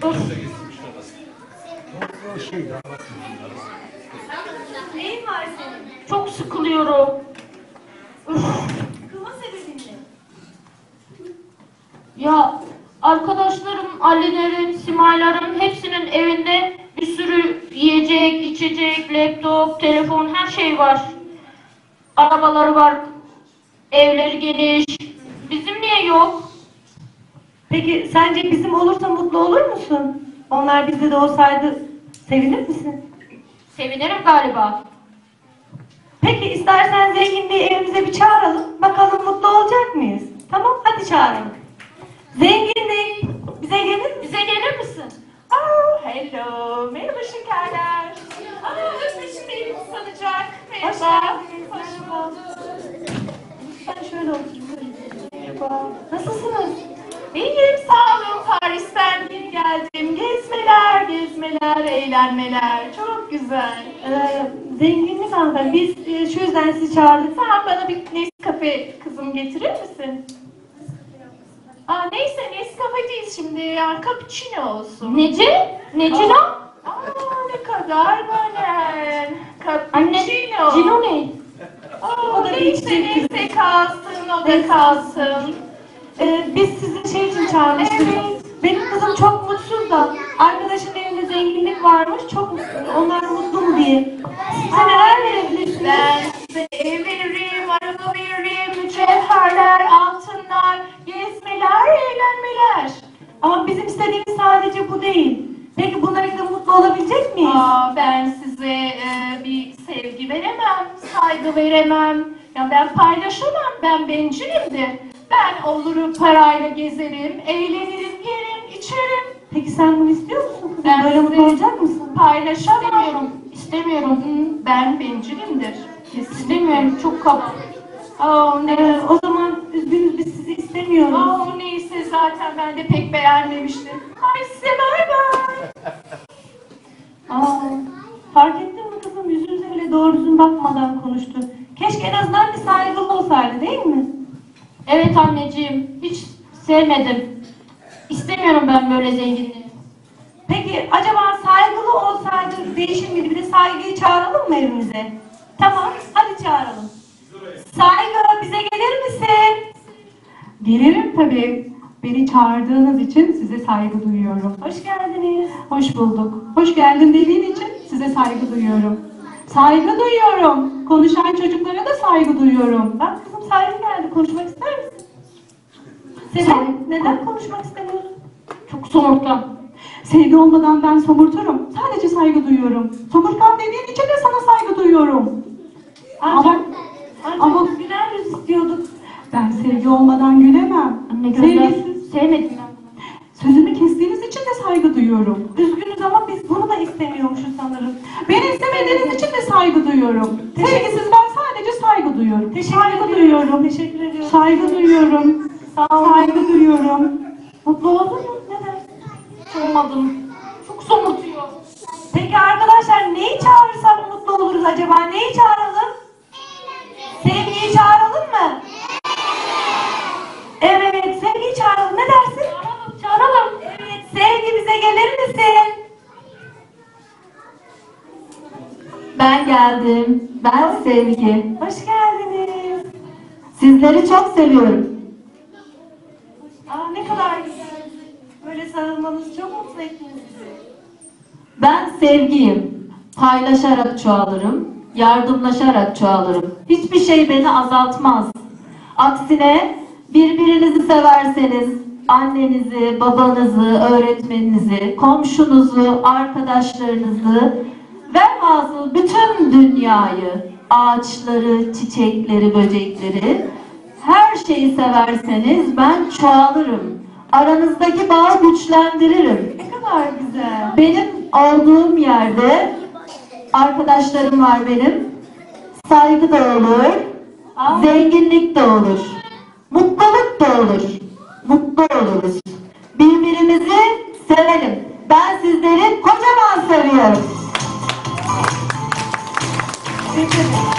Neyin var senin? Çok sıkılıyorum. Sıkılma sebebin ne? Ya arkadaşlarım, Ali'lerin, Simay'ların hepsinin evinde bir sürü yiyecek, içecek, laptop, telefon, her şey var. Arabaları var, evleri geniş. Bizim niye yok? Peki sence bizim olursa mutlu olur musun? Onlar bizde de olsaydı sevinir misin? Sevinirim galiba. Peki istersen zenginliği evimize bir çağıralım. Bakalım mutlu olacak mıyız? Tamam, hadi çağıralım. Zenginlik, bize gelir misin? Bize gelir misin? Hello, merhaba şekerler. Öpüşmeyi sanacak. Hoş Merhaba. geldiniz. Merhaba. Ben şöyle oturayım. Merhaba. Nasılsınız? İyiyim, sağ olun. Paris'ten yeni geldim. Gezmeler, gezmeler, eğlenmeler. Çok güzel. Zenginlik hanımefendi. Biz şu yüzden sizi çağırdık. Sen bana bir Nescafe kızım getirir misin? Neyse Nescafe değil şimdi. Yani cappuccino olsun. Nece? Nece lan? Ne kadar böyle. Anne, Cappuccino. Cino ne? O da Neyse bir neyse kalsın, o da Neyse. kalsın. Biz sizi şey için çağırmıştık. Evet. Benim kızım çok mutsuz da arkadaşın evinde zenginlik varmış. Çok mutsuz. Onlar mutlu mu diye. Size neler verebilirsiniz? Ben size ev veririm, araba veririm, mücevherler, altınlar, gezmeler, eğlenmeler. Ama bizim istediğimiz sadece bu değil. Peki bunlarla mutlu olabilecek miyiz? Ben size bir sevgi veremem, saygı veremem. Ya ben paylaşamam, ben bencilimdir. Ben olurum parayla gezerim, eğlenirim, yerim, içerim. Peki sen bunu istiyor musun kızım? Ben Böyle mutlu size olacak mısın? Paylaşamıyorum. İstemiyorum. Ben bencilimdir. İstemiyorum. Çok kap. O zaman üzgünüz biz sizi istemiyoruz. Neyse zaten ben de pek beğenmemiştim. Ay size bay bay. Fark ettin mi kızım? Yüzünüze bile doğru düzgün bakmadan konuştu. Keşke en azından bir saygılı olsaydı değil mi? Evet anneciğim. Hiç sevmedim. İstemiyorum ben böyle zenginliği. Peki acaba saygılı olsaydı değişir miydi? Bir de saygıyı çağıralım mı evimize? Tamam, hadi çağıralım. Saygı, bize gelir misin? Gelirim tabii. Beni çağırdığınız için size saygı duyuyorum. Hoş geldiniz. Hoş bulduk. Hoş geldin dediğin için size saygı duyuyorum. Saygı duyuyorum. Konuşan çocuklara da saygı duyuyorum. Bak kızım saygı geldi. Konuşmak ister misin? Neden konuşmak istemiyorsun? Çok somurtkan. Sevgi olmadan ben somurturum. Sadece saygı duyuyorum. Somurtkan dediğin için de sana saygı duyuyorum. Ama Ancak güler yüz istiyorduk. ben sevgi olmadan gülemem. Anne gözler Sevgisiz. sevmedim ben bunu. Sözümü kestiğiniz için de saygı duyuyorum. Üzgünüz ama biz bunu da istemiyormuşuz sanırım. Beni istemediğiniz için de saygı duyuyorum. Sevgisiz ben sadece saygı duyuyorum. Saygı duyuyorum. Teşekkür ediyorum. Saygı duyuyorum. Sağ olun. Saygı duyuyorum. Mutlu oldun mu? Neden? Olmadım. Çok somurtuyor. Peki arkadaşlar neyi çağırırsak mutlu oluruz acaba? Neyi çağıralım? Sevgiyi çağıralım mı? Evet, sevgiyi çağıralım. Ne dersin? Çağıralım. Evet, sevgi bize gelir misin? Ben geldim. Ben Sevgi. Hoş geldiniz. Sizleri çok seviyorum. Ne kadar güzel. Böyle sarılmanız çok mutlu ettiniz bizi. Ben Sevgiyim. Paylaşarak çoğalırım. Yardımlaşarak çoğalırım. Hiçbir şey beni azaltmaz. Aksine birbirinizi severseniz annenizi, babanızı, öğretmeninizi, komşunuzu, arkadaşlarınızı velhasıl bütün dünyayı, ağaçları, çiçekleri, böcekleri, her şeyi severseniz ben çoğalırım. Aranızdaki bağı güçlendiririm. Ne kadar güzel. Benim olduğum yerde arkadaşlarım var benim. Saygı da olur, zenginlik de olur, mutluluk da olur. Mutlu oluruz. Birbirimizi sevelim. Ben sizleri kocaman seviyorum. Peki.